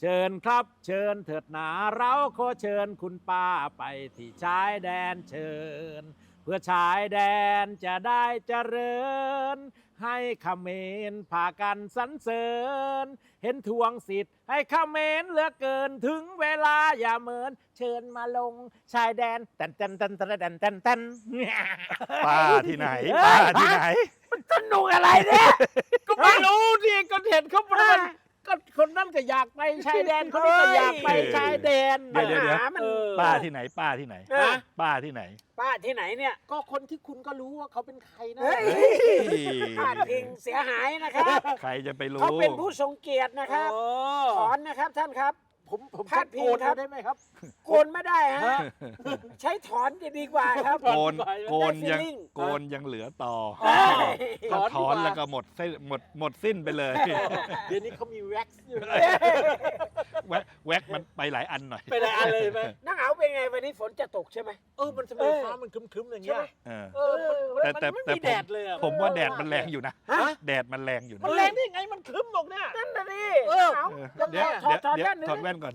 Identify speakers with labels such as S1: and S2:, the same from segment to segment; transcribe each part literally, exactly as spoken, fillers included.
S1: เชิญครับเชิญเถิดหนาเราขอเชิญคุณป้าไปที่ชายแดนเชิญเพื่อชายแดนจะได้เจริญให้เขมรพากันสรรเสริญเห็นทวงสิทธิ์ให้เขมรเหลือเกินถึงเวลาอย่าเหมินเชิญมาลงชายแดนแตนแตนแตนแตนแตนแตนแตน
S2: ป้าที่ไหนป้าที่ไหน
S1: สนุกอะไรเนี่ยก็ไม่รู้ดิก็เห็นเขาประมาณก็คนนั้นก็อยากไปชายแดนคนนี้ก็อยากไปชายแดน
S2: เดี๋ยวเดี๋ยวเดี๋ยว
S1: ปัญหามัน
S2: ป้าที่ไหนป้าที่ไหน
S1: ฮะ
S2: ป้าที่ไหน
S3: ป้าที่ไหนเนี่ย
S1: ก็คนที่คุณก็รู้ว่าเขาเป็นใครนะ
S3: เฮ้ย
S2: เฮ้ย
S3: พลาดพิงเสียหายนะครับ
S2: ใครจะไปรู้
S3: เขาเป็นผู้ทรงเกียรตินะครับ
S1: โอ้
S3: ถอนนะครับท่านครับ
S1: ผมผม
S3: พลาดพิง
S1: โกน
S3: ครับ
S1: ได้ไหมครับ
S3: โกนไม่ได้ฮะใช้ถอนจะดีกว่าครับ
S2: โกนโกนยัง
S3: ได้ feeling
S2: โกนยังเหลือต่อ
S3: เอ้ย
S2: ถ้าถอน
S1: ดีว่า
S2: แล้วก็หมดเส้นหมดหมดสิ้นไปเลย
S1: เดี๋ยวนี้เขามีแว็กซ์อยู่
S2: แว็กแว็กมันไปหลายอันหน่อย
S1: ไปไหนอันเลยไหม
S3: นักเอาเป็นไงวันนี้ฝนจะตกใช่ไหม
S1: เออมันทำไม
S3: เออ
S1: ฟ้ามันครึ้มๆอย่างเงี้ย
S3: ใช่ไหม
S2: เออ
S1: เออมัน
S2: แต่
S1: มัน
S2: แต่
S1: ไม่
S2: แต่ผม
S1: มีแดดเลยอะ
S2: ผมว่าแดดมันแรงอยู่นะ
S3: ฮะ
S2: แดดมันแรงอยู่นะ
S1: มันแรงได้ยังไงมันครึ้มหรอกเนี่ย
S3: นั่นน่ะดิ
S1: เออ
S3: เอา
S2: เออ
S3: ยังไง
S2: เดี๋ยว
S3: ถอดถอด
S2: เดี๋ยว
S3: แว่นหนึ่ง
S2: ถอดแว่นก่อน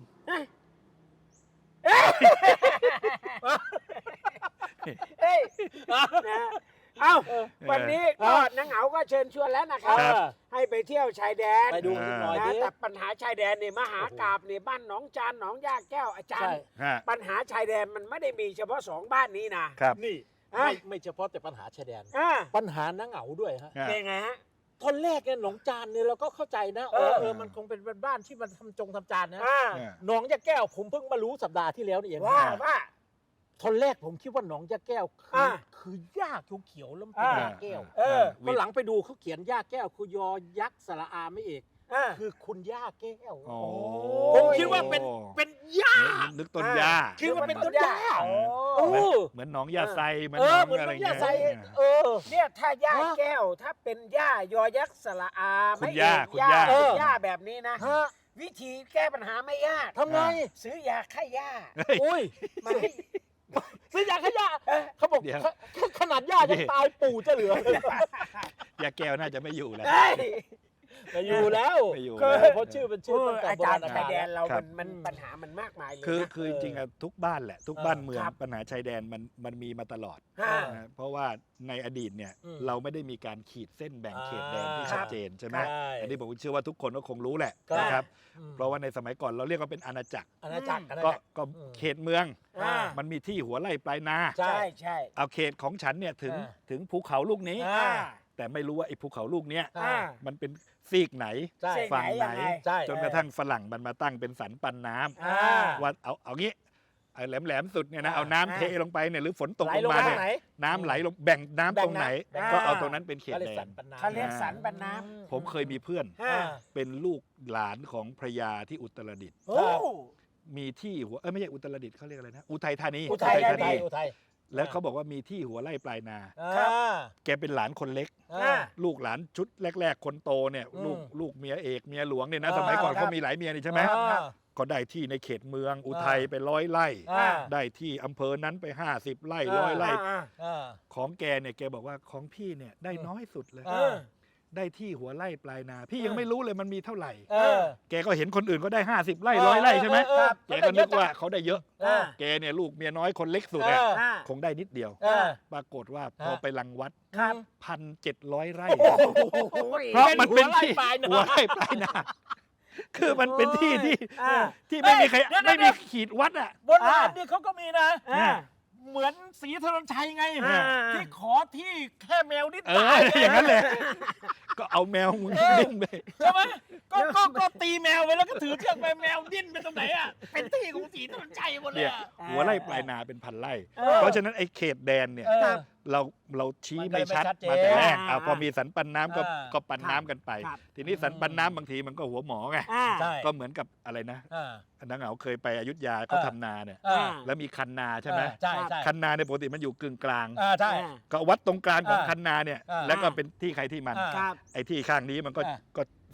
S3: เอ้ยนะเอ้าวันนี้ก็นังเหงาก็เชิญชวนแล้วนะครับ
S2: ครับ
S3: ให้ไปเที่ยวชายแดน
S1: ไปดูกันหน่อย
S3: นะ
S1: ดิ
S3: แต่ปัญหาชายแดนเนี่ยมหากาบเนี่ยบ้านหนองจานหนองย่าแก้วอาจาร
S1: ใช่
S3: ย์
S2: ฮะ
S3: ปัญหาชายแดนมันไม่ได้มีเฉพาะสองบ้านนี้นะครับ
S1: นี่
S3: อ่ะ
S1: ไม่ไม่เฉพาะแต่ปัญหาชายแดน
S3: อ่า
S1: ปัญหานังเหงาด้วยฮะ
S2: ฮะ
S3: เป็นไงฮะ
S1: ตอนแรกเนี่ยหนองจานเนี่ยเราก็เข้าใจนะเออ
S3: เออ
S1: เออมันคงเป็นบ้านที่มันทำจงทำจานนะ
S3: อ่า
S2: เนี่ย
S1: หนองยาแก้วผมเพิ่งมารู้สัปดาห์ที่แล้วนี่เอง
S3: ว่าว่า
S1: ตอนแรกผมคิดว่าหนองยาแก้วคือ
S3: อ่า
S1: คือหญ้าเขียวๆแล้วมันเป็น
S3: อ่า
S1: หญ้าแก้ว
S3: เออ
S1: ตอนหลังไปดูเขาเขียนหญ้าแก้วคือยอยักษ์สระอาไม่เอก
S3: อ่า
S1: คือคุณย่าแก้ว
S2: โอ้
S1: ผมคิดว่าเป็นเป็นหญ้า
S2: นึกต้นหญ้า
S1: คิดว่าเป็นต้นหญ้า
S3: โอ้
S1: เออ
S2: เหมือนหนองยาไซเหมือน
S1: เอ
S2: หน
S1: อ
S2: อง
S1: เหมือน
S2: อะไร
S1: ต้นห
S2: เงี้
S1: ญ้าย ไซเออ
S3: เนี่ยถ้าย่า
S1: ฮะ
S3: แก้วถ้าเป็นย่ายอยักษ์สระอา
S2: คุ
S3: ไม่
S2: ณ
S3: เอย่
S2: าก คุณ
S3: ย่า
S2: ย่า
S3: เป็น
S1: เออ
S3: ย่าแบบนี้นะ
S1: ฮะ
S3: วิธีแก้ปัญหาไม่ยาก
S1: ทำไง
S3: ซื้อยาฆ่าหญ้า
S2: เฮ้ย
S1: อุ้ย
S3: มาให้
S1: ซื้อยาขยะ
S3: เอ้ย
S1: เขาบอก
S2: เดี๋ยว
S1: ขขนาดย่ายังตายปู่จะเหลือ
S2: ยาแก้วน่าจะไม่อยู่แล้ว
S3: เอ้ย
S1: ไม่อยู่แล้ว
S2: ไม่อยู่
S1: คือ
S2: แล้ว
S1: เพราะชื่อเป็นชื่อตั้งแต่
S3: อา
S1: โบ
S3: จาร
S1: รา
S3: ย์
S1: ณ
S3: ชาย
S1: กาล
S3: แดนเรา
S2: ครั
S3: มั
S2: บ
S3: นมันปัญหามันมากมายเลย
S2: คือ
S3: นะ
S2: คือจริงๆอะทุกบ้านแหละ ทุก
S1: เออ
S2: บ้านเมือง
S3: ครับ
S2: ปัญหาชายแดนมันมันมีมาตลอด
S3: ฮะ
S2: นะเพราะว่าในอดีตเนี่ย
S1: อืม
S2: เราไม่ได้มีการขีดเส้นแบ่งเขตแดนที่
S1: อ่า
S2: ชัดเจนใช่ไหม
S1: ใช่
S2: อันนี้ผมเชื่อว่าทุกคนก็คงรู้แหละ
S1: ครับ
S2: นะครับ
S1: อืม
S2: เพราะว่าในสมัยก่อนเราเรียกว่าเป็นอาณาจักร
S1: อาณาจักรอาณา
S2: ก็
S1: จักร
S2: ก็
S1: อืม
S2: เขตเมือง
S3: อ่า
S2: มันมีที่หัวไร่ปลายนา
S1: ใช่
S3: ใช่ใช่
S2: เอาเขตของฉันเนี่ยถึง
S1: อ่า
S2: ถึงภูเขาลูกนี้
S1: อ่า
S2: แต่ไม่รู้ว่าไอ้ภูเขาลูกเนี้ย
S1: อ่า
S2: มันเป็นซีกไหน
S1: ใช่
S3: เส้น
S2: ฝั่งไหน
S3: ยังไง
S1: ใช่
S2: จนกระทั่งฝรั่งมันมาตั้งเป็นสันปันน้ำ
S3: อ่า
S2: ว่าเอาเอางี้ไอ้แหลมแหลมๆสุดเนี่ยนะ
S1: อ่า
S2: เอาน้ำ
S3: อ่า
S2: เทลงไปเนี่ยหรือฝนตก
S1: ไหล
S2: ลง
S1: ลง
S2: มา
S1: มา
S2: เนี่ย
S1: ไหน
S2: น้ำไหลลงแบ่งน้ำ
S1: แบ่ง
S2: ตรงไหน
S1: น้ำ
S2: ก็เอา
S3: อ่า
S2: ตรงนั้นเป็นเขต
S1: ก็เลย
S2: แด
S1: สั
S2: น
S1: นปันน้ำ
S3: เขาเรียกสันปันน้
S2: ผมเคยมีเพื่อน
S3: ำอ่า
S2: เป็นลูกหลานของพระยาที่อุตรดิตถ์
S3: โอ้
S2: มีที่หัวเอ้ยไม่ใช่อุตรดิตถ์เขาเรียกอะไรนะอุทัยธานี
S3: อุทัยธานี
S1: อุทัย
S2: แล้วเขาบอกว่ามีที่หัวไร่ปลายนา
S3: ครับ
S1: อ่า
S2: แกเป็นหลานคนเล็ก
S1: อ่า
S2: ลูกหลานชุดแรก ๆ คนโตเนี่ย
S1: อืม
S2: ลูกลูกเมียเอกเมียหลวงเนี่ยนะ
S1: อ่า
S2: สมัยก่อน
S3: ครับ
S2: เขามีหลายเมียนี่ใช่ไหม
S1: อ่า
S2: ก็ได้ที่ในเขตเมืองอุทัยไปร้อยไร่
S1: อ่า
S2: ได้ที่อำเภอนั้นไปห้าสิบไร่
S1: อ่า
S2: ร้อยไร่
S3: อ่า
S1: อ่า
S2: ของแกเนี่ยแกบอกว่าของพี่เนี่ยได้น้อยสุดเลย
S1: อ่า
S2: ได้ที่หัวไร่ปลายนา พี่ยังไม่รู้เลยมันมีเท่าไหร่
S1: เออ
S2: แกก็เห็นคนอื่นก็ได้ห้าสิบไร่ร้อยไร่ใช่ไหม
S1: เออ
S2: แกก็นึกว่าเขาได้เยอะ
S1: เออ
S2: แกเนี่ยลูกเมียน้อยคนเล็กสุด
S1: เอ
S2: เนี่ย
S1: อ
S3: อ่า
S2: คงได้นิดเดียว
S1: เออ
S2: ปรากฏว่าพอ
S1: ฮะ
S2: ไปรังวัด
S3: ครับ
S2: พันเจ็ดร้อยไร่
S3: โอ้โห
S2: เพราะมันเป็น
S1: หัวไร่
S2: ที่
S1: ปลายนา
S2: หัวไร่ปลายนาคือมันเป็นที่ที่
S3: อ่า
S2: ที่ไม่มีใคร
S1: เดี๋ยว
S2: ไม่
S1: เดี๋
S2: มี
S1: ยว
S2: ขีดวัดอ่ะ
S1: โบราณนี่เขาก็มีนะ
S3: อ่า
S1: เหมือนศรีธนนชัยไง
S3: อ่า
S1: ที่ขอที่แค่แมวนิด
S2: เอ
S1: ตา
S2: อย อย่างนั้นเลย ก็เอาแมวมึงดิ้นไป
S1: ใช่ไหมก็ก็ก็ตีแมวไปแล้วก็ถือเชือกไปแมวดิ้นไปตรงไหนอ่ะเป็นที่ของศรีธนนชัยหมดเลย
S2: เนี่ย
S1: อะ
S2: หัวไร่ปลายนาเป็นพันไร่
S3: เออ
S2: เพราะฉะนั้นไอ้เขตแดนเนี่ย
S1: เออ
S2: เราเราชี้
S1: มัน
S2: ไม่ชัด
S1: ไม่ชัดเจน
S2: มาแต่แรก
S3: อ่า
S2: อ่ะพอมีสันปันน้ำก็
S1: อ่า
S2: ก็ปันน้ำกันไป
S3: ครับ
S2: ทีนี้สันปันน้ำบางทีมันก็หัวหมอไง
S3: อ่า
S1: ใช่
S2: ก็เหมือนกับอะไรนะ
S1: อ่า
S2: นังเหงาเคยไปอยุธยาเขา
S1: อ่า
S2: ทำนาเนี่ย
S1: อ่า
S2: แล้วมีคันนาใช่ไหม
S1: ใช่ใช่
S2: คันนาในยปกติมันอยู่กึ่งกลาง
S1: อ่าใช่
S3: อ่า
S2: ก็วัดตรงกลางของ
S1: อ่า
S2: คันนาเนี่ย
S1: อ่า
S2: แล้วก็เป็นที่ใครที่มัน
S1: อ่า
S3: ครับ
S2: ไอ้ที่ข้างนี้มันก็
S1: อ่า
S2: ก็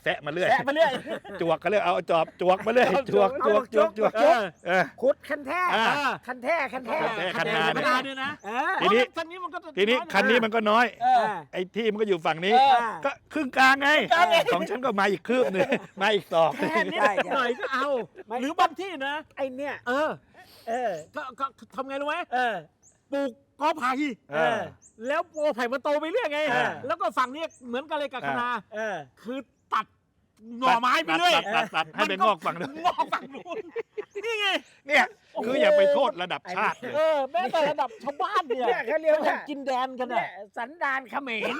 S2: แซะมาเรื่อย
S3: แซะมาเรื่อย
S2: จวกก็เรื่อยเอาจอบจวกมาเรื่อยจวกจวกจวกจวก
S3: เออ
S2: เออ
S3: ขุดคันแท้
S2: อ่า
S3: คันแท้คันแท้
S2: คันแท้คันนา
S1: ธรรมดาเนี่ยนะ
S3: เออ
S2: ทีนี้
S1: คันนี้มันก็
S2: ทีนี้คันนี้มันก็น้อย
S1: เออ
S2: ไอ้ที่มันก็อยู่ฝั่งนี้
S1: เออ
S2: ก็ครึ่งกลางไง
S3: กลางไง
S2: ของฉันก็มาอีกคืบหนึงมาอีกศอก
S1: แค่นิด
S3: ใช่ใช่
S1: หน่อยก็เอา
S3: ไม่
S1: หรือบางที่นะ
S3: ไอเนี่ย
S1: เออ
S3: เออ
S1: ก็ก็ทำไงรู้ไหม
S3: เออ
S1: ปลูกกอไผ่
S2: เออ
S1: แล้วกอไผ่มันโตไปเรื่อยไง
S2: เออ
S1: แล้วก็ฝั่งนี้เหมือนกันเลยกับคะนา
S3: เออ
S1: คือตัดหน่อไม้ไปเรื่อย
S2: ตัดตัดตัดให้เป็นงอกฝั่งนู้น
S1: งอกฝั่งนู้นนี่ไง
S2: เนี่ยคืออย่าไปโทษระดับชาติเลย
S1: เออแม้แต่ระดับชาวบ้านเนี่ย
S3: เนี่ยเขาเรียกว่า
S1: กินแดนกัน
S3: เนี่
S1: อ่ะ
S3: ยสันดานเขมร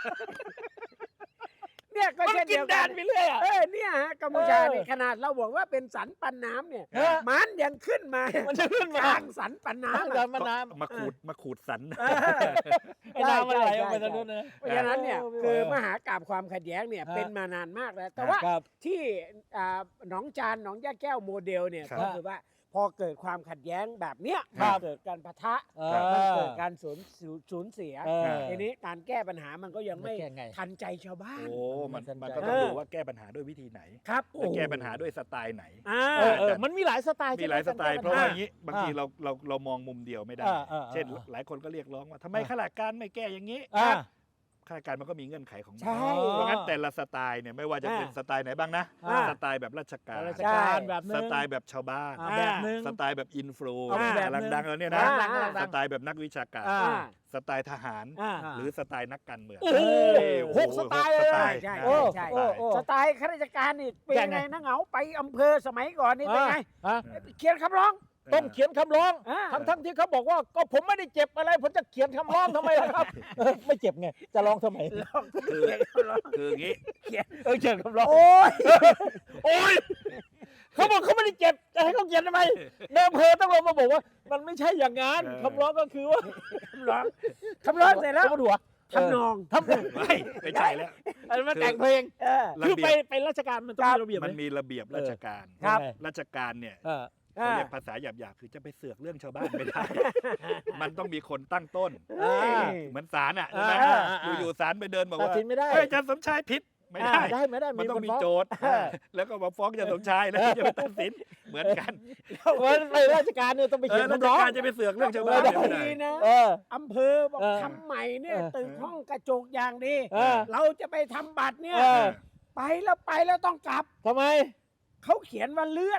S3: เนี่ยก็
S1: มัน
S3: เช่น
S1: กิ
S3: เดี
S1: น
S3: ยว
S1: แด
S3: กัน
S1: นไปเรื่อยอ่ะ
S3: เออเนี่ยฮะกัมพูชา
S1: เออ
S3: เนี่ยขนาดเราบอกว่าเป็นสันปันน้ำเนี่ย
S1: เออ
S3: มันยังขึ้นมา
S1: มันจะขึ้นมาก
S3: ลางสันปันน้ำ
S1: เดิ
S3: อะ
S1: นมาน้
S2: มาขูดมาขูดสัน
S3: เออ
S1: ำไอ้น้ำมันไหลออกไปทางนู้นนะ
S3: เพราะฉะนั้นเนี่ย
S1: เออ
S3: คือมหากาพย์ความขัดแย้งเนี่ย
S1: ฮะ
S3: เป็นมานานมากแล้ว แต่ว่า
S1: ครับ
S3: ที่อ่าหนองจานหนองย่าแก้วโมเดลเนี่ย
S2: ครับ
S3: ก็คือว่าพอเกิดความขัดแย้งแบบเนี้ย
S1: ครับ
S3: มันเกิดการปะทะ
S1: เออ
S3: มันเกิดการสูญสูญสูญเสีย
S1: เออ
S3: ทีนี้การแก้ปัญหามันก็ยังไม่
S1: แก้ไง
S3: ทันใจชาวบ้าน
S2: โอ้มัน
S1: มัน
S2: มัน
S1: สนใจ
S2: ก็ต้องดูว่าแก้ปัญหาด้วยวิธีไหน
S3: ครับ
S2: และแก้ปัญหาด้วยสไตล์ไหน
S3: อ่า
S1: เออเออมันมีหลายสไตล์
S2: มี
S1: ใช่ไ
S2: หลายสไตล์
S1: ก
S2: เพราะว่า
S1: แก้
S2: อย่างนี้บางทีเราเราเรามองมุมเดียวไม่ได้
S1: อ่าอ่าอ่า
S2: เช่น หลายคนก็เรียกร้องว่าทำไม
S1: อ่า
S2: ข้าราชการไม่แก้อย่างนี้
S1: อ่า
S2: ข้าราชการมันก็มีเงื่อนไขของมัน
S3: ใช่
S2: เพราะงั้นแต่ละสไตล์เนี่ยไม่ว่าจะเป็น
S3: อ่า
S2: สไตล์ไหนบ้างนะ
S1: อ่า
S2: สไตล์แบบราชการ
S1: ราชการแบบนึ
S2: ส
S1: ง
S2: ไตล์แบบชาวบ้าน
S1: อ่าแบบนึง
S2: สไตล์แบบอินฟลู
S1: อ่าแบบ
S2: กำลัง
S1: นึง
S2: ดังแล้วเนี่ยนะ
S3: อ่า
S1: ดังดัง
S2: สไตล์แบบนักวิชาการ
S1: อ่า
S3: อ่า
S2: สไตล์ทหาร
S3: อ่า
S2: หรือสไตล์นักการเมือง
S1: โอ้โห
S2: โอ้โ
S1: หกสไตล์เลย
S2: หกสไตล์
S3: ใช่
S2: นะ
S3: ใช่
S2: หก
S3: ใช่
S2: สไตล์
S1: โอ้
S3: สไตล์ข้าราชการนี่เป็น
S1: แก้
S3: ไง
S1: ไง
S3: นะเหงาไปอำเภอสมัยก่อนนี่เป็นไง
S1: ฮะ
S3: เขียนคำร้อง
S1: ต้องเขียนคำร้อง
S3: อ่า
S1: ทั้งทั้งที่เขาบอกว่าก็ผมไม่ได้เจ็บอะไร ผมจะเขียนคำร้องทำไมล่ะครับเออไม่เจ็บไง จะร้องทำไม
S3: ร้อง
S2: คือ
S3: เขียนคำร้อง
S2: คืออย่างนี้
S1: เออเขียนคำร้อง
S3: โอ้ย
S1: โอ้ยเขาบอกเขาไม่ได้เจ็บจะให้เขาเขียนทำไมในอำเภอต้องลงมาบอกว่า มันไม่ใช่อย่างนั้น
S2: เออ
S1: คำร้องก็คือว่า
S3: คำร้องคำร้องเสร็จแล้ว
S1: ขามาดูอะ
S3: ทำนอง
S1: ทำนอง
S2: ไม่ไม่ใช่แล้ว
S1: อันนั้นมันแต่งเพลง
S3: เออ
S2: ระ
S1: คือ
S2: เบี
S1: ไป
S2: ยบ
S1: ไปราชการมันต้องมีระเบียบไห
S2: มันมีระเบียบราชการ
S3: ครับ
S2: ราชการเนี่ย
S1: เออ
S2: เขาเรียกภาษาหยาบๆคือจะไปเสือกเรื่องชาวบ้านไม่ได้ มันต้องมีคนตั้งต้น
S1: อ่า
S2: เหมือนศาลอ่ะใช่ไหม
S1: อ่าอ่าอ่า
S2: อยู่ๆศาลไปเดินบอก
S1: ตัด
S2: ว่า
S1: สินไม่ได้
S2: เฮ้ยอาจารย์สมชายผิดไม่ได้
S1: ได้ไม่ได้
S2: มันต้องมี
S1: คฟ้
S2: โจทย์ แล้วก็มาฟ้องอาจารย์สมชายแล้วจะไปตัดสินเหมือนกัน
S1: เออไปราชการเนี่ยต้องไป
S2: เอ
S1: เขีย
S2: อน ราช
S1: คำร้อง
S2: การจะไปเสือกเรื่องชาวบ้าน
S1: ไม่
S2: ไม่
S1: ได้
S2: ได้
S3: ดีนะ
S1: เออ
S3: อำเภอบอก
S1: เออ
S3: ทำใหม่เนี่ย
S1: เออ
S3: ตึกห้องกระจกอย่างดี
S1: เออ
S3: เราจะไปทำบัตรเนี่ย
S1: เออ
S3: ไปแล้วไปแล้วต้องกลับ
S1: ทำไม
S3: เขาเขียนว่าเลื่อน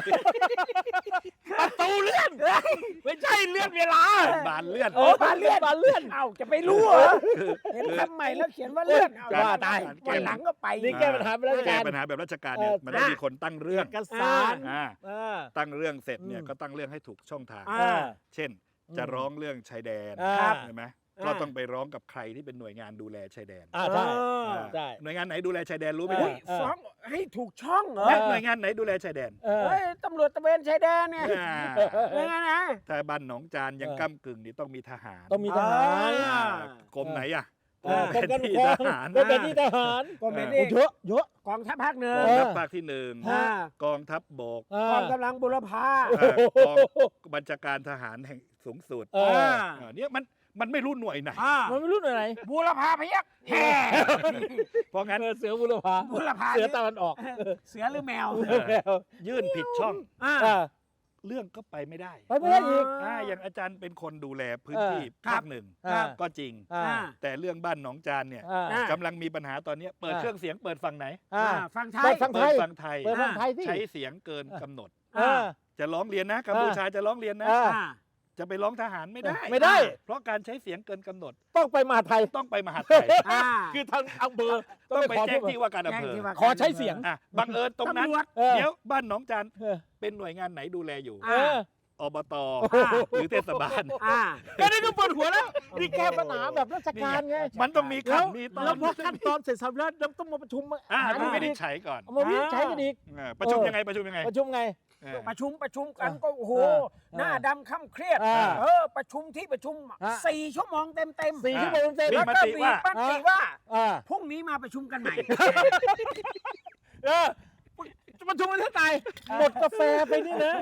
S1: ประตูเลื่อนไม่ใช่เลื่อนเวลา
S2: บานเลื่อน
S1: เออบานเลื่อนบานเลื่อน
S3: เอ้าจะไปรู้เหรอเห็นคำใหม่แล้วเขียนว่าเลื่อนเอ
S1: ว่าตาย
S3: วันหลังก็ไป
S1: นี่แก้ปัญหาไปราช
S2: แก้
S1: การ
S2: ปัญหาแบบราชการเนี่ย
S1: เออ
S2: มันต้องมีคนตั้งเรื่อง
S1: เอกสาร
S2: อ่า
S1: เออ
S2: ตั้งเรื่องเสร็จเนี่ย
S1: อืม
S2: ก็ตั้งเรื่องให้ถูกช่องทาง
S3: อ่า
S2: เช่น จะร้องเรื่องชายแดน
S1: อ่า
S2: ใช่ไหม
S3: อ่า
S2: ก็ต้องไปร้องกับใครที่เป็นหน่วยงานดูแลชายแดน
S1: อ่าใช่
S3: เออ
S2: อ่า
S1: ใช่
S2: หน่วยงานไหนดูแลชายแดนรู้ไหม
S1: เอ
S3: อุ้ย
S1: อ
S3: ฟ้องให้ถูกช่องเหรอ
S2: และหน่วยงานไหนดูแลชายแดน
S1: เออ
S3: เฮ้ยตำรวจตระเวนชายแดนเนี่ย
S2: อ่า
S3: ยังไงนะ
S2: ถ้าบ้านหนองจานยัง
S1: เออ
S2: ก้ากึ่งนี่ต้องมีทหาร
S1: ต้องมีทหาร
S3: อ่า
S2: กรมไหนอ่ะ
S1: เออกรมการปก
S2: ที่
S1: ครอง
S2: ทหาร
S1: กรมการที่ทหาร
S3: ก็ไม่
S2: เอ
S3: ได้
S1: โอ้เยอะเยอะ
S3: กองทัพภาคหนึ่ง
S2: กอง
S1: เออ
S2: ทัพภาคที่หนึ่ง
S3: อ่าก
S2: องทัพบก
S1: อ่าก
S3: องกำลังบุรพา
S2: เอ่อกองบัญชาการทหารแห่งสูงสุด
S1: เออ
S2: เออเนี่ยมันมันไม่รู้หน่วยไหน
S3: อ่า
S1: มันไม่รู้หน่วยไหน
S3: บุรพาพยักแห่
S2: เพราะงั้น
S1: เออเสือบุรพา
S3: บุรพา
S1: เสือตะวันออก
S3: เสือหรือแมว
S2: เออ
S1: แล้ว
S2: ยื่นผิดช่อง
S3: อ่า
S1: อ่า
S2: เรื่องก็ไปไม่ได้
S1: ไปไม่ได้อีก
S2: อ่าอย่างอาจารย์เป็นคนดูแลพื้น
S1: เออ
S2: ที่
S3: ครั
S2: ภา
S3: บ
S2: คหนึ่ง
S1: อ่า
S2: ก็จริง
S1: อ่า
S3: อ่า
S2: แต่เรื่องบ้านหนองจานเนี่ย
S1: อ่า
S3: อ่า
S2: กำลังมีปัญหาตอนเนี้ยเปิด
S1: อ่า
S2: เครื่องเสียงเปิดฝั่งไหน
S1: อ่า
S3: อ่าฟังไท
S1: เปิ
S3: ย
S1: ดฟังไท
S2: เปิด
S1: ย
S2: ฝั่งไทย
S1: เปิดฟังไทยที่
S2: ใช้เสียงเกินกำหนด
S1: อ่า
S2: จะร้องเรียนนะกัมพูชาจะร้องเรียนนะ
S1: อ่า
S3: อ่า
S2: จะไปร้องทหารไม่ได้
S1: ไม่ได้
S2: เพราะการใช้เสียงเกินกำหนด
S1: ต้องไปมหาไทย
S2: ต้องไปมหาดไทย
S3: อ่า
S1: คือทางอำเภอ
S2: ต้องไป
S1: ข
S2: แจ้งที่ว่าการอำ
S3: แจ้ง
S2: เภอ
S3: ที่ว่า
S1: ขอใช้เสียง
S2: อ่ะบังเอิญตรงนั้น
S3: ตำรวจ
S1: เออ
S2: เดี๋ยวบ้านหนองจาน
S1: เออ
S2: เป็นหน่วยงานไหนดูแลอยู่
S1: เออ
S2: อบต
S3: อ่า
S2: หรือเทศบาล
S3: อ่า
S1: ก็นี่ก็ปวดหัวแล้วนี่แก้ปัญหาแบบราชการไง
S2: มันต้องมี
S1: แล้ว
S2: คำมีตอ
S1: แล้ว
S2: น
S1: พอขั้นตอนเสร็จสับแล้วเราต้องมาประชุม
S2: อ่า
S1: หา
S2: ต้อง
S1: รือ
S2: ไม่ได้
S1: อีก
S2: ใช้ก่อน
S1: เอามาวินิจฉัยกันอีก
S2: อ่าประชุม
S1: เออ
S2: ยังไงประชุมยังไง
S1: ประชุมไง
S2: เออ
S3: ประชุมประชุมกันก็โอ้โห
S1: เออ
S3: หน้าดำค่ำเครียด
S1: อ่า
S3: เออ ประชุมที่ประชุม
S1: อ่า
S3: สี่ชั่วโมงเต็มเต็มๆ
S1: สี่ชั่วโมงเต็ม
S2: มี
S3: แล้ว
S2: ม
S3: ก็
S2: ติ
S3: มี
S2: ว่า
S3: มติว่า
S1: อ่า
S3: พรุ่งนี้มาประชุมกันใหม่
S1: เออประชุมกันเท่าไหร่หมดกาแฟไปนี่นะ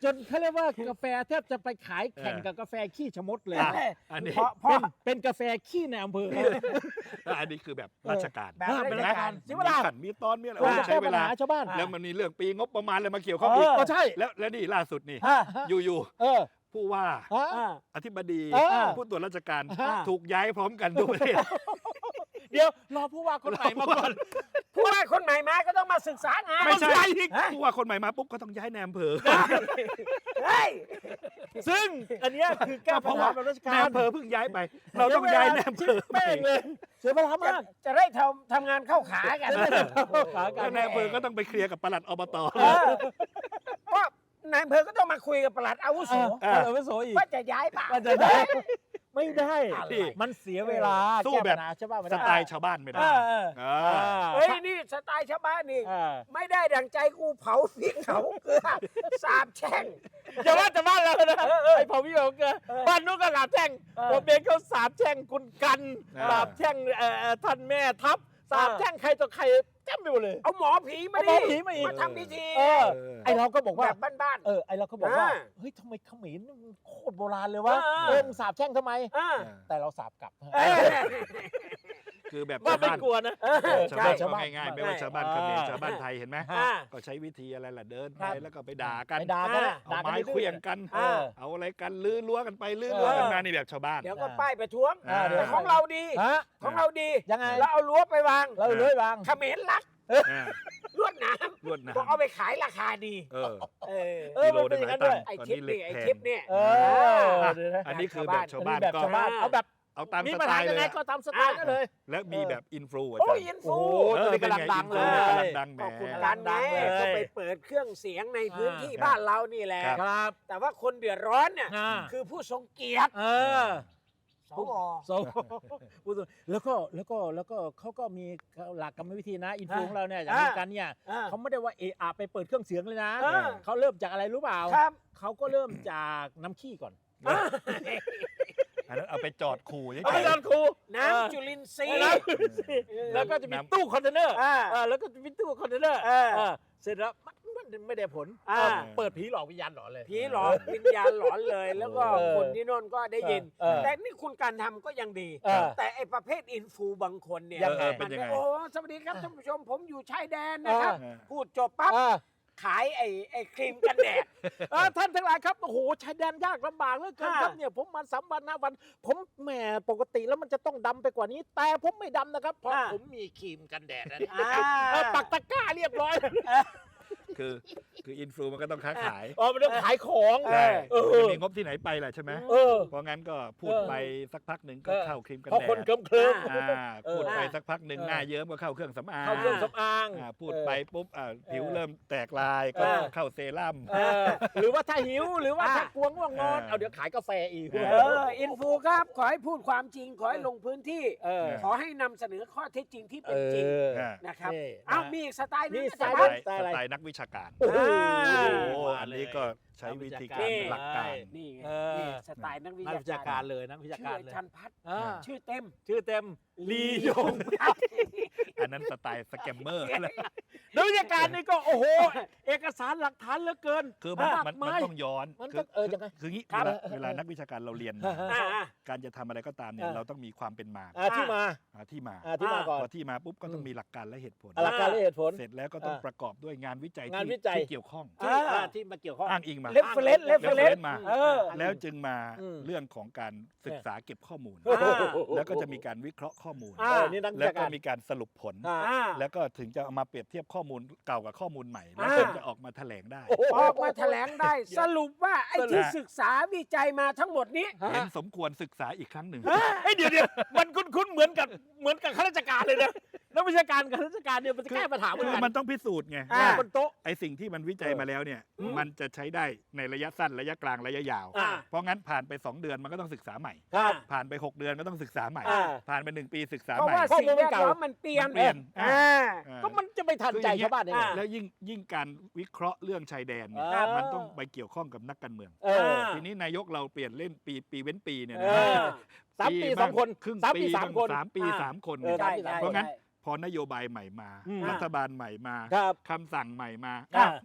S1: จนเขาเรียกว่ากาแฟแทบจะไปขายแข่งกับกาแฟขี้ชะมดเลย
S2: อ่ะอันนี้
S3: เพราะเพราะ
S1: เป็นกาแฟขี้ในอำเภอ
S2: อันนี้คือแบบราชการ
S3: แบบ
S1: เป็น
S3: ราชการ
S1: ใช่
S2: มี
S1: ไหมล่ะ
S2: ขันมีตอนมีอะไร
S1: ว่า
S2: ใช้เวลา
S1: ชาวบ้าน
S2: แล้วมันมีเรื่องปีงบประมาณอะไรมาเกี่ยวข้อง
S3: เอ
S2: อีก
S3: อ
S1: ก็ใช่
S2: แล้วแล้วนี่ล่าสุดนี่
S3: อ่า
S2: อยู่
S1: เออ
S2: ๆผู้ว่า
S1: ฮะ
S3: อ่า
S2: อธิบดี
S1: เออ
S2: ผู้ตรวจราชการ
S1: อ่า
S2: ถูกย้ายพร้อมกันทุกประเทศ
S1: เดี๋ยวรอผู้ว่าคนใหม่มาก่อน
S3: ผู้ว่าคนใหม่มาก็ต้องมาศึกษางาน
S2: ไม่ใช่
S3: ฮะ
S2: ผู้ว่าคนใหม่มาปุ๊บก็ต้องย้ายแนมอำเภอ
S3: เฮ้ย
S1: ซึ่งอันเนี้ยคือแก้ปัญหาแบบราช
S2: แน
S1: การ
S2: มอำเภอเพิ่งย้ายไป เราต้องย้ายแนมอำเภอ
S1: แป้งเลยเสียเวลามาก
S3: จะได้ทำทำงานเข้าขากัน
S1: ขากั
S2: แล้
S1: น
S2: วแนมอำเภอก็ต้องไปเคลียร์กับปลัดอบต
S3: เออก็นายอำเภอก็ต้องมาคุยกับปลัดอาวุโส
S1: เออเอาไปโสอีก
S3: ว่าจะย้ายป่ะ
S1: ว่าจะได้ไม่ได้
S3: อะไร
S1: มันเสียเวลา
S2: สู้
S1: แก้
S2: แบบ
S1: ปัญหาชาวบ้านไม่
S2: ส
S1: ได้
S2: ไตล์ชาวบ้านไม่
S3: เอ
S2: ได้
S3: อเออ
S2: อ่า
S3: เฮ้ยนี่สไตล์ชาวบ้านนี่
S1: เออ
S3: ไม่ได้ดังใจกูเผาพริกเขาเกลือสาบแช่ง
S1: อย่าว่าแต่บ้านเรานะ
S3: เออเออ
S1: ไอ้เผาพี่เผาเกลือ
S3: เออ
S1: บ้านนู้นก็สาบแช่ง
S3: เออ
S1: ผมเองเขาสาบแช่งคุณกัน
S2: เออ
S1: สาบแช่งเอ่อเอ่อท่านแม่ทัพสาบแช่งใครต่อใครแจ้มไปหมดเลย
S3: เอาหมอผีมา
S1: เอาหม
S3: ดิ
S1: อผีมาอีก
S3: มาทำพิธี
S1: เออ
S2: เออ
S1: ไอเราก็บอก
S3: แบ
S1: ว่า
S3: บบ้าน
S1: เออไอเราก็บอกว่า
S3: อ่า
S1: เฮ้ยทำไมเขมรมันโคตรโบราณเลยวะ
S3: เออ
S1: เออมึงสาบแช่งทำไม
S3: ๆอ่า
S1: แต่เราสาบกลับ
S3: เออ
S2: คือแบบ
S1: ว่า
S2: ชาว
S1: ไม่
S2: บ้าน
S1: กลัวนะ
S3: เออ
S2: ชาวบ้าน
S1: ใช่
S2: ก็ง่ายๆไม่ว่าชาวบ้าน
S1: ใช่
S2: เขมร
S1: อ่า
S2: ชาวบ้านไทยเห็นไหม
S3: อ่า
S2: ก็ใช้วิธีอะไรล่ะเดิน
S1: ครั
S2: ไป
S1: บ
S2: แล้วก็ไปด่ากัน
S1: ไปด่ากันนะ
S2: เอา
S1: ด่ากัน
S2: ไม้
S1: ดื้อ
S2: เคลื่ยงกัน
S3: อ่า
S2: เอาอะไรกันลื้อล้วกันไปลื้อ
S1: เออ
S2: ล้วกันมานี่แบบชาวบ้าน
S3: เดี๋ยวก็ป้ายประท้วง
S2: อ่า
S3: แต่ของเราดี
S1: ฮะ
S3: ของเราดี
S1: ยังไง
S3: เราเอารั้วไปวาง
S1: เราเลยบาง
S3: เขมรรัก
S2: อ่า
S3: ลวดหน้
S2: ลวด
S3: ำ
S2: น้
S3: ก็เอาไปขายราคาดี
S2: ำเออ
S3: เออ
S1: เออมันเป็นอย่างนั้นด้วย
S3: ไอ้
S2: ตอน
S3: ทิป
S2: นี้เหล็
S3: นี่
S2: ก
S3: ไอ้
S2: แพง
S3: ทิปเนี่ย
S1: เออเดี๋ยวนะ
S2: อันนี้คือแบบชาวบ้าน
S1: แบบ
S2: ก็
S1: ชาวบ้านเอาแบบ
S2: เอาตาม
S1: มี
S2: ส
S1: ปัญ
S2: ไต
S1: หา
S2: ล์
S1: ยั
S2: เล
S1: งไง
S2: ย
S1: ก็ตามสไตล์นั่นเลย
S2: และมีแบบอินฟลูอา
S3: โอ้
S2: จาร
S3: ย
S2: ย์
S3: อิน
S1: โอ้
S3: ฟู
S1: โหตอนนี้กำลังดังเล
S2: ออเป็นไง
S1: ย
S2: อินฟลูกำลังดังแหม
S3: ก็คุณ
S1: เออ
S3: กัน
S1: ดั
S3: ไง
S1: งเลย
S3: ก็ไปเปิดเครื่องเสียงในพื้นที่
S2: ครับ
S3: บ้านเรานี่แหละ
S2: ครับ
S1: ครับ
S3: แต่ว่าคนเดือดร้อนเนี่ย
S1: อ่า
S3: คือผู้ทรงเกียรติ
S1: เออ
S3: สว
S1: โซพูดตรงแล้วก็แล้วก็แล้วก็เขาก็มีหลักกรรมวิธีนะอินฟูของเราเนี่ยอย่าง
S3: อ่า
S1: นี้กันเนี่ย
S3: อ่า
S1: เขาไม่ได้ว่าเอะอะไปเปิดเครื่องเสียงเลยนะ
S3: อ่า
S1: เขาเริ่มจากอะไรรู้เปล่า
S3: ครับ
S1: เขาก็เริ่มจากน้ำขี้ก่อน
S3: อ่า
S2: อันนั้นเอาไปจอดขู่เฉย
S1: เอาไป
S2: ๆ
S1: จอนครู
S3: น้ำจุลินทรีย์
S1: น้ำจุลินทรีย์แล้วก็จะมีตู้คอนเทนเนอร์
S3: อ่า
S1: เออแล้วก็จะมีตู้คอนเทนเนอร์
S3: เออ
S1: เออเสร็จแล้วมันมันไม่ได้ผล
S3: อ่า
S1: เออเปิดผีหลอกวิญญาณหลอนเลย
S3: ผีหลอนวิญญาณหลอนเลย แล้วก็
S1: เออ
S3: คนที่โน่นก็ได้ยิน
S1: เออ
S3: แต่นี่คุณการทำก็ยังดี
S1: เออ
S3: แต่ไอ้ประเภทอินฟูบางคนเนี่ย
S1: ยังไง
S3: มัน
S2: เป็นยังไง
S3: โอ้สวัสดีครับท่านผู้ชมผมอยู่ชายแดนนะครับ
S2: เออ
S3: พูดจบปั๊บ
S1: เออ
S3: ขายไอ้ไอ้ครีมกันแดด
S1: เออท่านทั้งหลายครับโอ้โหชายแดนยากลำบากเหลือเกิน
S3: อ่า
S1: ครับเนี่ยผมมาสามวันห้าวัน ผมแหมปกติแล้วมันจะต้องดำไปกว่านี้ แต่ผมไม่ดำนะครับ เพราะ
S3: อ่า
S1: ผมมีครีมกันแดดนะ
S3: อ่า
S1: เออปักตะกร้าเรียบร้อย
S2: คือคืออินฟลูมันก็ต้องค้าขาย
S1: อ๋อมันต้องขายของ
S3: เออ
S1: เออ
S2: จะมีงบที่ไหนไปล่ะใช่ไหม
S1: เออ
S2: เพราะงั้นก็พูด
S1: เออ
S2: ไปสักพักหนึ่งก็
S1: เออ
S2: เข้าครีมกัน
S1: เพราะ
S2: แด
S1: คน
S2: ด
S1: เคลิ้มเคลิ้ม
S2: อ่า
S1: เออ
S2: พูดไปสักพักหนึ่ง
S1: เออ
S2: หน้าเยิ้มก็เข้าเครื่องสำอาง
S1: เข้าเครื่องสำอาง
S2: อ่าพูดไปปุ๊บอ่าผิวเริ่มแตกลาย
S1: เอ
S2: ก็
S1: อ
S2: เข้าเซรั่ม
S1: เออหรือว่าถ้าหิวหรือว่า
S3: อ่า
S1: ถ้ากลัวง่วงนอน
S2: เออ
S1: เอาเดี๋ยวขายกาแฟอีก
S2: เอ
S3: เอออินฟูครับ ขอให้พูดความจริง ขอให้ลงพื้นที่
S1: เออ
S3: ขอให้นำเสนอข้อเท็จจริงที่เป็นจริง
S2: อ่า
S3: นะครับ
S1: นี่
S3: เอ้า
S1: นะ
S3: มีอีกสไตล์หนึง
S1: มี
S3: อา
S1: สไต
S3: จาร
S1: ล์
S3: ย์
S2: ส
S3: ครับ
S2: ไตล์สไตล์นักวิชาการ
S1: โอ้โห
S2: โอ้อันนี้ก็ใช้วิธีการ
S3: นี่
S2: หลักการ
S3: นี่ไง
S1: เออ
S3: นี่สไตล์นักวิ
S1: นักวิชา
S3: ชา
S1: การ
S3: การ
S1: เลยนักวิชา
S3: ชื่อ
S1: การ
S3: อา
S1: เลย
S3: จารย์พัฒน์
S1: อ่า
S3: ชื่อเต็ม
S1: ชื่อเต็มลียง
S2: อันนั้นสไตล์สแกมเมอร์
S1: นักวิชาการนี่ก็โอ้โห เอกสารหลักฐานเหลือเกิน
S2: คือมัน
S1: มาก
S2: มัน
S1: มา
S2: มัน
S1: ย
S2: ต้องย้อน
S1: มัน
S2: คื
S1: ต้องเออยังไง
S2: คืองี้
S1: ครั
S2: เว
S1: บ
S2: ลาเวลานักวิชาการเราเรียนมา
S1: ฮะ
S3: อ่าอ่า
S2: การจะทำอะไรก็ตามเนี่ย
S1: อ่า
S2: เราต้องมีความเป็นมา
S1: อ่าที่มา
S2: หาที่มา
S1: อ่าที่มาก่อน
S2: พอที่มาปุ๊บก็ต้องมีหลักการและเหตุผล
S1: หลักการและเหตุผล
S2: เสร็จแล้วก็ต้อง
S1: อ่า
S2: ประกอบด้วยงานวิจัย
S1: งาน
S2: ที่
S1: วิจัย
S2: ที่เกี่ยวข้อง
S1: ที่อ่าที่มาเกี่ยวข้อง
S2: อ้างอิงมา
S3: เรฟเฟรนซ์เรฟเฟรน
S2: reference
S3: ซ์
S2: มา
S3: เออ
S2: แล้วจึงมา
S1: อืม
S2: เรื่องของการศึกษาเก็บข้อมูล
S3: อ่า
S2: แล้วก็จะมีการวิเคราะห์ข้อมูล
S3: อ่า
S1: เออนี่นักวิ
S2: แล้ว
S1: ชา
S2: ก็
S1: การ
S2: มีการสรุปผล
S1: อ่า
S3: อ่า
S2: แล้วก็ถึงจะเอามาเปรียบเทียบข้อมูลเก่ากับข้อมูลใหม่ แล้ว
S3: อ่า
S2: ถึงจะออกมาแถลงได้
S3: ออกมาแถลงได้ สรุปว่าไอ้ที่
S2: สรุป
S3: ศึกษาวิจัยมาทั้งหมดนี้
S2: เห็นสมควรศึกษาอีกครั้งหนึ่ง
S1: เฮ้ยเดี๋ยวเดี๋ยวมันคุ้นๆเหมือนกับเหมือนกับข้าราชการเลยนะนักวิชาการกับข้าราชการเนี่ยมันจะแก้ปัญหาเหมือน
S2: คือ
S1: กัน
S2: มันต้องพิสูจน์ไง
S3: อ่า
S2: ว่า
S1: บนโต๊ะ
S2: ไอสิ่งที่มันวิจัย
S1: เออ
S2: มาแล้วเนี่ย
S1: อืม
S2: มันจะใช้ได้ในระยะสั้นระยะกลางระยะยาว
S1: อ่า
S2: เพราะงั้นผ่านไปสองเดือนมันก็ต้องศึกษาใหม่
S1: ครับ
S2: ผ่านไปหกเดือนก็ต้องศึกษาใหม่
S1: อ่า
S2: ผ่านไปหนึ่งปีศึกษา
S3: เพราะ
S2: ใหม่
S3: ว่า
S1: ข้อ
S3: สิ่ง
S1: มูล
S3: แว
S1: มัน
S3: ด
S1: เก่า
S3: ล้อมมันเปลี่ยน
S2: มันเปลี่ยน
S3: อ่า
S2: อ่า
S1: ก็มันจะไปทันใจชาวบ้านได้ไง
S3: อ่า
S2: แล้วยิ่งยิ่งการวิเคราะห์เรื่องชายแดนเนี่ย
S1: อ่ามั
S2: มันต้องไปเกี่ยวข้องกับนักการเมือง
S1: เออ
S2: ทีนี้นายกเราเปลี่ยนเล่นปีปีเว้นปีเนี่ย
S1: เอ
S2: นะ
S1: อ สามปีสองคน
S2: ครึ่ง
S1: สาม
S2: ปี
S1: ปีสาม
S2: บ้ง
S1: คน
S2: สามปี
S3: อ่า
S2: สามคน
S1: เออ
S2: เนี่ย
S1: สามปีสาม
S2: เพ
S1: คน
S2: ราะงั้นพอนโยบายใหม่มา
S1: อืม
S2: รัฐบาลใหม่มา
S1: ครับ
S2: คำสั่งใหม่มา
S1: ครับ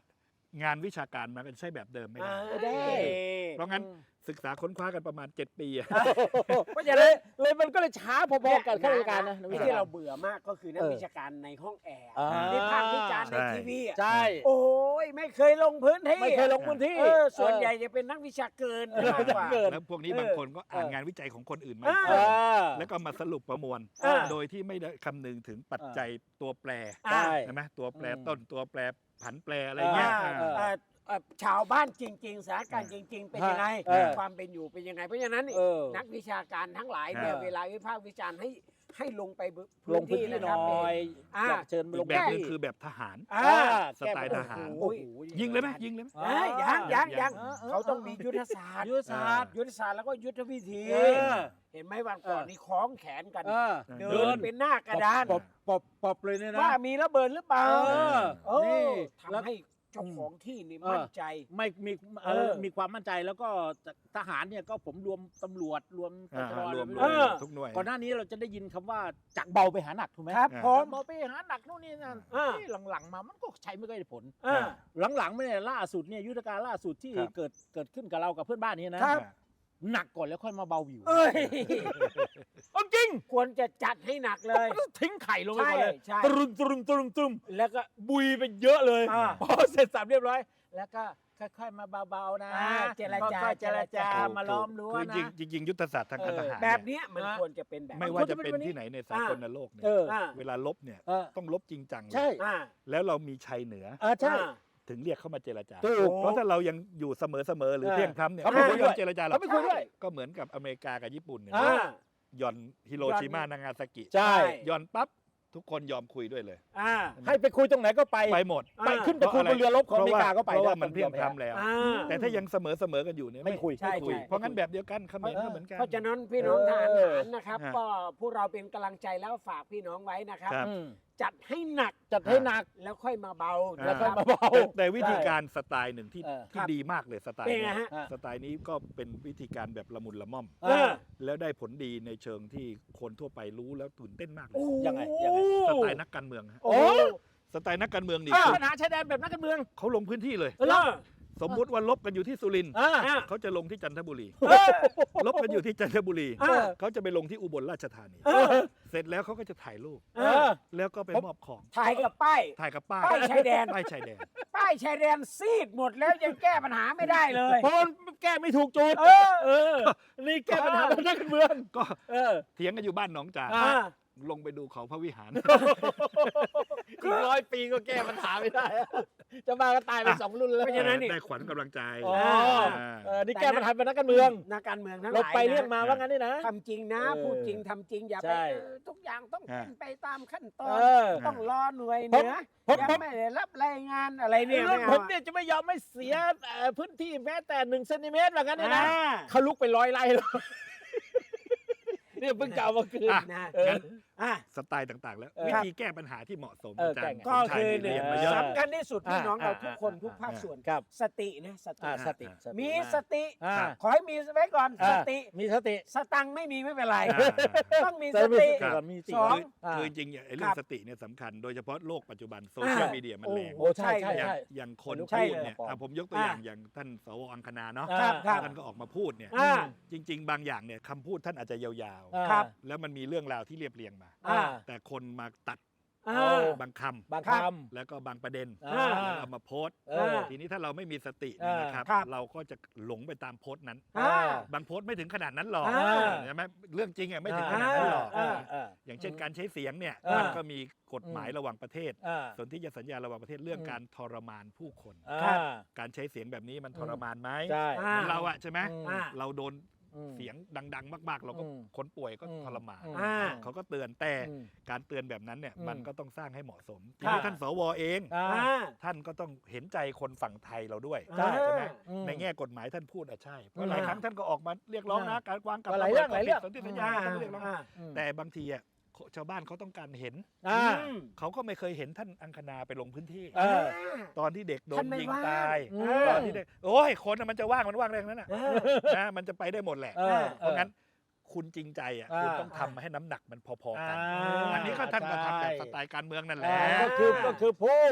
S2: งานวิชาการมันก็ใช้แบบเดิมไม่ได้
S3: อ่าได้
S2: เพราะงั้นศึกษาค้นคว้ากันประมาณเจ็ดปีอะ
S3: เพราะฉะ
S1: เล
S3: นั้น
S1: ยเลยมันก็เลยช้าพอๆกันข้าราชการนะนักวิ
S3: ที่
S1: ชาการ
S3: เราเบื่อมากก็คือนัก
S1: เออ
S3: วิชาการในห้องแอร์
S1: อ่า
S3: วิพากษ์วิจารณ์ใน
S2: ใช่
S3: ทีวีอะ
S1: ใช่
S3: โอ้ยไม่เคยลงพื้นที่
S1: ไม่เคยลงพื้นที่
S3: เออส่วนใหญ่จะเป็นนักวิชาเกินมากกว่า
S1: เกิน
S2: แล้วพวกนี้
S3: เออ
S2: บางคนก็อ่านงานวิจัยของคนอื่นมา
S3: เออ
S1: เออ
S2: แล้วก็มาสรุปประมวล
S3: เออ
S2: โดยที่ไม่ได้คำนึงถึงปัจจัยตัวแปร
S1: ใช่
S2: ใช่ไหมตัวแปร
S1: อืม
S2: ต้นตัวแปรผันแปรอะไรเงี้ย
S3: อ่า
S2: เออ
S3: เอ่อเอ่อชาวบ้านจริงๆสถานการณ์จริง ๆ เป็นยังไง
S1: เออ
S3: ความเป็นอยู่เป็นยังไงเพราะฉะนั้น
S1: เออ
S3: นักวิชาการทั้งหลายเนี่ย
S1: เออ
S3: เวลาวิพากษ์วิจารณ์ให้ให้ลงไป
S1: ลงพื้นที่
S3: นะ
S1: ห
S3: ครับ
S1: น่อย
S3: อ่า
S1: อยากเชิญมา
S2: อี
S1: ล
S2: ก
S1: ง
S2: แบบนึง
S1: พื้นที่
S2: คือแบบทหาร
S3: อ่า
S1: อ่า
S2: สไตล์ทหาร
S1: โอ้โห
S2: ยิงเลยไหมยิงเลยไหม
S3: เอ้ยยังยังยัง
S1: เออเออ
S3: เขาต้องมียุทธศาสตร์
S1: ยุทธศาสตร์
S3: ยุทธศาสตร์แล้วก็ยุทธวิธี
S1: เออ
S3: เห็นไหมวันก่อน
S1: เออ
S3: นี่คล้องแขนกัน
S1: เออ
S3: เดินเป็นหน้ากระดาน
S1: ปอบปอบปอบเลยเนี่ยนะ
S3: ว่ามีระเบิดหรือเปล่า
S1: เออ
S3: โอ้
S1: นี่แล้ว
S3: ทำให้เจ้าของที่นี่
S1: เออ
S3: มั่นใจ
S1: ไม่มีเอ
S3: เอ
S1: อ
S3: อ
S1: มีความมั่นใจแล้วก็ทหารเนี่ยก็ผมรวมตำรวจรวมต
S2: อ่า
S1: ชด
S2: รวม
S1: อะไร
S2: ร
S1: ไรู้
S2: วม
S3: เออ
S2: ทุกหน่วย
S1: ก่อนหน้านี้เราจะได้ยินคำว่าจากเบาไปหาหนักถูกไหม
S3: ครับ
S2: อ่า
S3: ผ
S1: จาก
S3: ม
S1: เบาไปหาหนักนู่นนี่นั่น
S3: เออ
S1: ที่หลังๆมามันก็ใช้ไม่ค่อยได้ผล
S3: เออ
S1: หลังๆไม่เนี่ยล่าสุดเนี่ยยุทธการล่าสุดที่
S2: ครับ
S1: เกิดเกิดขึ้นกับเรากับเพื่อนบ้านนี่นะครับ หนักก่อนแล้วค่อยมาเบาวิว
S3: เอ้ย
S1: เอาจริง
S3: ควรจะจัดให้หนักเลย
S1: ทิ้งไข่ลงไปก่อนเลย
S3: ใช่
S1: ตรึมตรึมตรึมตรึม
S3: แล้วก็
S1: บุยไปเยอะเลย
S3: อ่า
S1: พอเสร็จสับเรียบร้อย แล้วก็ค่อยๆมาเบาๆนะ
S3: อ่าเจรจา
S1: ค่อยๆเจรจา
S3: ถูก
S1: มาล้อมรั้ว
S2: คือ
S1: นะ
S2: จริงจริงๆยุทธศาสตร์ทางการทหาร
S3: แบบ
S2: เนี่ย
S3: เนี้ยมัน
S1: อ่า
S3: ควรจะเป็นแบบ
S2: ไม่ว่าจะเป็นที่ไหนในสากลโลกเนี่ย
S1: เออ
S3: อ่า
S2: เวลาลบเนี่ย
S1: เออ
S2: ต้องลบจริงจังเลย
S1: ใช่
S3: อ่า
S2: แล้วเรามีชัยเหนือ
S1: เออใช่
S3: อ่า
S2: ถึงเรียกเข้ามาเจรจา
S1: ถูก
S2: เพราะถ้าเรายังอยู่เสมอเสมอๆหรือ
S1: เออ
S2: เที่ยงธรรมเนี่ย
S1: เขาไม่
S2: ไม่
S1: คุย
S2: ย
S1: ด้
S2: อ
S1: วย
S2: มเจรจาหร
S1: เขา
S2: อก
S1: ไม่คุยด้วย
S2: ก็เหมือนกับอเมริกากับญี่ปุ่นเนี่ย
S1: อ่า
S2: หย่อนฮิโรชิมานางาซากิ
S1: ใช่
S2: หย่อนปั๊บทุกคนยอมคุยด้วยเลย
S3: อ่า
S1: ให้ไปคุยตรงไหนก็ไป
S2: ไปหมด
S1: ไปขึ้นไปคุยบนเรือรบของอเมริกาก็ไป
S2: เพราะว่า
S1: ได้
S2: มันเพียงพรำแล้ว
S3: อ่า
S2: แต่ถ้ายังเสมอเสมอๆกันอยู่เนี่ย
S1: ไม่คุย
S3: ใช่
S2: ไม่คุย
S3: ใช่
S2: เพราะงั้นแบบเดียวกันเขมรก็เหมือนกัน
S3: เพราะฉะนั้นพี่น้องทหาร
S1: เออ
S3: นะครับ
S2: ฮะ
S3: ก็พวกเราเป็นกำลังใจแล้วฝากพี่น้องไว้นะครับ
S2: ครับ
S1: อืม
S3: จัดให้หนัก
S1: จัดให้หนัก
S3: แล้วค่อยมาเบา
S2: อ่า
S1: แล้วค่อย
S3: นะค
S1: มา
S3: รับ
S1: เบา
S2: แต่แต่วิธีการสไตล์หนึ่งที่
S1: เออ
S2: ที่ดีมากเลยสไตล์
S3: เป็นไง
S2: เนี้
S3: ฮะ
S2: สไตล์นี้ก็เป็นวิธีการแบบละมุนละม่อม
S1: เออ
S2: แล้วได้ผลดีในเชิงที่คนทั่วไปรู้แล้วตื่นเต้นมากเลย
S3: โอ้
S1: ยังไงยังไง
S2: สไตล์นักการเมืองฮะ
S3: โอ้
S2: สไตล์นักการเมืองนี่
S1: อ่า
S2: คือ
S1: ปัญหาชายแดนแบบนักการเมือง
S2: เขาลงพื้นที่เลย
S3: เออ
S2: สมมุติว่าลบกันอยู่ที่สุรินทร์
S1: อ่า
S3: อ่า
S2: เขาจะลงที่จันทบุรี
S3: เออ
S2: ลบกันอยู่ที่จันทบุรี
S3: เออ
S2: เขาจะไปลงที่อุบลราชธานี
S3: เออ
S2: เสร็จแล้วเขาก็จะถ่ายรูป
S3: เออ
S2: แล้วก็ไปมอบของ
S3: ถ่ายกับป้าย
S2: ถ่ายกับป้าย
S3: ป้ายชายแดน
S2: ป้ายชายแดน
S3: ป้ายชายแดนซีดหมดแล้วยังแก้ปัญหาไม่ได้เลย
S1: เพราะมันแก้ไม่ถูกจุด
S3: เออ
S1: เออ นี่แก้ปัญหาแบบนักการเมือง
S2: ก็
S1: เออ
S2: เถียงกันอยู่บ้านหนองจา
S1: อ่า
S3: อ่า
S2: ลงไปดูเขาพระวิหาร
S1: อีกร้อยปีก็แก้ปัญหาไม่ได้ จะมาก็ตายไปสองรุ่นแล้ว
S3: เพราะฉะนั้นนี่
S2: ได้ขวัญกำลังใจ
S1: อ๋อ
S2: อ่า
S1: เออนี่แก้ปัญหาเป็นนักการเมือง
S3: นักการเมืองทั้งห
S1: เรา
S3: ลาย
S1: ไปเรื่อง
S3: นะ
S1: มาว่างั้นนี่นะ
S3: ทำจริงนะ
S1: เออ
S3: พูดจริงทำจริงอย่า
S1: ใช่
S3: ไปเออทุกอย่างต้องเป็นไปตามขั้นตอ
S1: เอน อ
S3: ต้องรอหน่วย
S1: ผม
S3: เหนือ
S1: ผม
S3: ยัง
S1: ผม
S3: ไม่ได้รับรายงานอะไรเนี่ย
S1: เรื่
S3: ไม่
S1: อง
S3: เอา
S1: ผมเนี่ยจะไม่ยอมไม่เสียเอ่อพื้นที่แม้แต่หนึ่งเซนติเมตรว่างั้นนี่นะ
S3: อ่า
S1: เขาลุกไปร้อยไร่แล้วเนี่ยเพิ่งกล่าวมาคืน
S2: อ่ะ
S3: นะ
S1: เออ
S2: งั้น
S3: อ่ะ
S2: สไตล์ต่างๆ แล้ว
S1: เออ
S2: วิธีแก้ปัญหาที่เหมาะสม
S1: เออ
S2: อาจารย์
S1: แก้ไง
S3: ก็
S2: สมชาย
S3: คือ
S2: นี่
S3: หนึ่ง
S2: เรียนมาเยอะ
S3: สำคัญที่สุดพี่น้องเรา
S1: อ่า
S3: ทุกคน
S1: อ่า
S3: ทุกภาคส่วน
S1: ครับ
S3: สตินะสติ
S1: อ่าสติสติ
S3: มีสติ
S1: อ่า
S3: ขอให้มีไว้ก่อน
S1: อ่า
S3: สติ
S1: มีสติ
S3: สตังค์ไม่มีไม่เป็นไร
S2: อ่า
S3: ต้องมี
S1: แต่
S3: ส
S1: มี
S3: ติ
S1: ก่อนมีสติ
S3: สอง
S2: คือ
S1: อ่า
S2: คือจริงๆเนี่ยไอ้เรื่อ
S3: ค
S2: ง
S3: รับ
S2: สติเนี่ยสำคัญโดยเฉพาะโลกปัจจุบันโซเชียล
S3: อ่า
S2: มีเดียมันแรง
S1: โอ้ใช่ใช่
S2: อย่าง
S1: ใช่
S2: อย่างคน
S3: ใช่
S2: พูด
S3: เลย
S2: เนี่ย
S1: ปลอม
S2: อ่ะผมยกตัวอย่าง
S3: อ่า
S2: อย่างท่านสวอังคณาเนาะ
S1: ครับ
S3: ครับ
S2: ท่านก็ออกมาพูดเนี่ย
S3: อ่า
S2: จริง ๆ บางอย่างเนี่ยคำพูดท่านอาจจะยาว
S1: อ่า
S3: ครับ
S2: ๆ แล้วมันมีเรื่องราวที่เรียบเรียงมา
S3: อ่า
S2: แต่คนมาตัด
S3: อ่า
S2: บางคำ
S1: บาง
S3: ครั
S1: ค
S3: บ
S2: แล้วก็บางประเด็น
S1: ำอ่า
S2: แล้วเอามาโพสต์
S1: เออ
S2: ทีนี้ถ้าเราไม่มีสติเนี่ยนะครับ
S3: ครับ
S2: เราก็จะหลงไปตามโพสต์นั้น
S3: อ่า
S2: บางโพสต์ไม่ถึงขนาดนั้นหรอก
S3: อ่า
S2: ใช่ไหมเรื่องจริงอ่ะไม่ถึงขนาดนั้นหรอก
S3: อ่า
S1: อ่า
S2: อย่างเช่นการใช้เสียงเนี่ย
S1: อ่ามั
S2: มันก็มีกฎหมายระหว่างประเทศ
S1: อ่า
S2: สนธิสัญญาระหว่างประเทศเรื่อง
S1: อืม
S2: การทรมานผู้คน
S1: อ่า
S2: การใช้เสียงแบบนี้มันทรมานไหม
S1: ใช่
S3: อ่า
S2: เหมือนเราอะใช่ไหม
S1: อืม
S3: อ่า
S2: เราโดน
S1: อืม
S2: เสียงดัง ๆ มากๆ เราก็
S1: อืม
S2: คนป่วยก็
S1: อืม
S2: ทรมาน
S3: อ่า
S2: เขาก็เตือนแต่
S1: อืม
S2: การเตือนแบบนั้นเนี่ย
S1: อืม
S2: มันก็ต้องสร้างให้เหมาะสมที
S3: ครับ
S2: นี้ท่านสวเอง
S1: อ่า
S3: อ่า
S2: ท่านก็ต้องเห็นใจคนฝั่งไทยเราด้วย
S1: ใช่
S2: ใช่ไหม
S1: อืม
S2: ในแง่กฎหมายท่านพูดอะใช่เพ
S1: อื
S2: ราะ
S1: ม
S2: หลายครั้งท่านก็ออกมาเรียกร้องนะ
S1: อ่า
S2: การวางกับ
S1: หลายเรื่อง
S2: ะบิด
S1: หลายเรื่อง
S2: สนธิสัญญา
S3: อ่า
S2: ต้องเรียกร้อง
S3: อ่า
S1: อืม
S2: แต่บางทีอะชาวบ้านเขาต้องการเห็น
S1: อ่า
S3: อืม
S2: เขาก็ไม่เคยเห็นท่านอังคณาไปลงพื้นที่
S1: เออ
S2: ตอนที่เด็กโด
S3: ท่าน นไม่
S2: ยิง
S3: ว่าง
S2: ตาย
S1: อืม
S2: ตอนที่เด็กโอ้ยคนน่ะมันจะว่างมันว่างได้ทั้งนั้นน่ะ
S3: เออ
S2: นะมันจะไปได้หมดแหละ
S1: เออ
S2: เพราะงั้นคุณจริงใจอ่ะ
S1: อ่า
S2: คุณต้องทำให้น้ำหนักมันพอๆกัน
S1: อ่า
S2: อันนี้ก็ท่านก็ทำแบบ
S1: ใช่
S2: สไตล์การเมืองนั่นแหละ
S1: อ่าก็คือก็คือพูด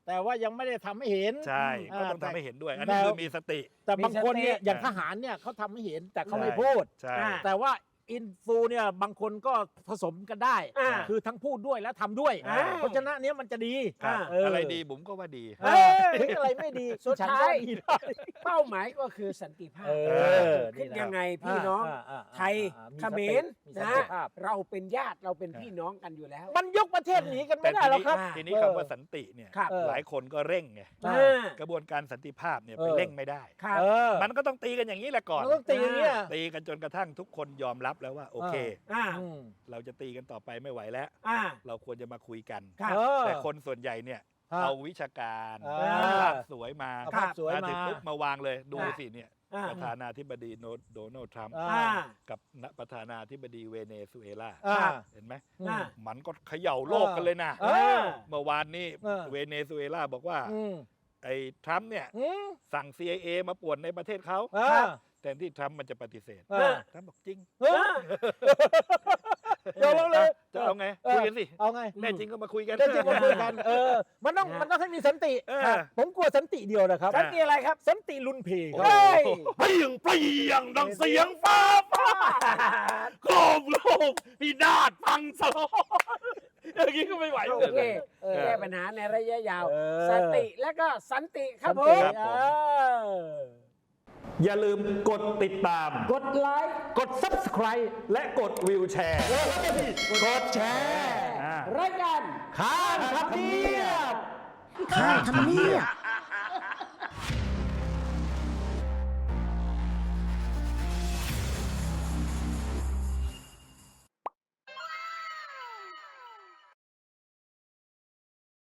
S1: แต่ว่ายังไม่ได้ทำให้เห็น
S2: ใช่
S1: อ่า
S2: ก็ต้อง
S1: แต่
S2: ทำให้เห็นด้วย อันนี้
S1: แต่
S2: คือมีสติ
S1: แต่บางคนเนี่ย
S3: มีสติ
S1: อย่างทหารเนี่ยเขาทำให้เห็นแต่เขาไม่
S2: ใช่
S1: พูด
S2: ใช่
S3: อ่า
S1: แต่ว่าอินฟูเนี่ยบางคนก็ผสมกันได้
S3: อ่า
S1: คือทั้งพูดด้วยและทำด้วย
S3: อ่า
S1: เพราะฉะนั้นเนี้ยมันจะดี
S2: ครับ
S1: เอออ
S2: อะไรดีผมก็ว่าดี
S1: เออถึงอะไรไม่ดี
S3: สุด
S1: ฉัน
S3: ท้าย
S1: ก็ดีได้
S3: เป้าหมายก็คือสันติภาพ
S1: เออ
S3: คิด
S1: นี่นะ
S3: ยังไงพี่น้อง
S1: าาา
S3: ไทย
S1: อ่า
S3: เขมร
S1: มีสัน
S3: นะ
S1: ติภาพ
S3: เราเป็นญาติเราเป็นพี่น้องกันอยู่แล้ว
S1: มันยกประเทศหนีกัน
S2: แต่
S1: ไม่ได้
S2: ที
S1: หรอก
S2: นี้
S1: ครับ
S2: ทีนี้
S1: เออ
S2: คำว่าสันติเนี่ย
S3: ครับ
S2: หลายคนก็เร่งไง
S1: อ่า
S3: อ่าก
S2: ระบวนการสันติภาพเนี่ย
S1: เอ
S2: ไป
S1: อ
S2: เร่งไม่ได้
S3: ครับ
S1: เออ
S2: มันก็ต้องตีกันอย่างนี้แหละก่อน
S1: มันต้องตีอย่างเงี้ย
S2: ตีกันจนกระทั่งทุกคนยอมรับแล้วว่าโอเค
S3: อ่า
S1: อืม
S2: เราจะตีกันต่อไปไม่ไหวแล้ว
S3: อ่า
S2: เราควรจะมาคุยกัน
S3: ครับ
S1: เออ
S2: แต่คนส่วนใหญ่เนี่ย
S1: ครับ
S2: เอาวิชาการ
S1: อ่า
S2: ภาพสวยมา
S1: เอาภาพสวย
S2: มาถึง
S1: มา
S2: ปุ๊บมาวางเลยดู
S3: อ่า
S2: สิเนี่ย
S3: อ่า
S2: ประธานาธิบดีโนโดนัลด์ทรัมป์
S1: อ่า
S3: อ่า
S2: กับประธานาธิบดีเวเนซุเอลา
S1: อ่า
S2: เห็นไหม
S3: อ่า
S2: มันก็เขย่าโลกกันเลยนะ
S1: เออ
S2: เมื่อวานนี้
S1: เออ
S2: เวเนซุเอลาบอกว่า
S1: อืม
S2: ไอ้ทรัมป์เนี่ย
S1: อืม
S2: สั่ง ซี ไอ เอ มาป่วนในประเทศเขา
S1: อ่า
S2: แทนที่ทรัมป์มันจะปฏิเสธ
S1: อ่า
S2: ทรัมป์บอกจริง
S1: เออเดี๋ยวเราเลย
S2: จะเอาไง
S1: เออ
S2: คุยกันสิ
S1: เอาไง
S2: แน่จริงก็มาคุยกัน
S1: เดี๋ยวจริงมาคุยกันเออมันต้อง
S3: นะ
S1: มันต้องให้มีสันติ
S2: เออ
S1: ครับผมกลัวสันติเดียวนะครับ
S3: สันติอะไรครับ
S1: สันติลุนเพค
S3: เฮ้
S1: รับ
S3: ย
S2: เปรี้ยงเปรี้ยงดังเสียงฟ้าผ่าโครมโลกพินาศพังสลายอย่างนี้ก็ไม่ไหว
S3: โอ
S2: เลย
S3: เค
S1: เออ
S3: แก้ปัญหาในระยะยาว
S1: เออ
S3: สติและก็สันติครับผ
S1: สันติ
S3: ม
S2: ครับผม
S1: เออ
S2: อย่าลืมกดติดตาม
S3: กดไลค์
S2: กด Subscribe และกดวิวแชร์
S1: กดแชร์
S2: อ่า
S3: รายการ
S1: ข้างทำเนียบ
S4: ข้างทำเนียบ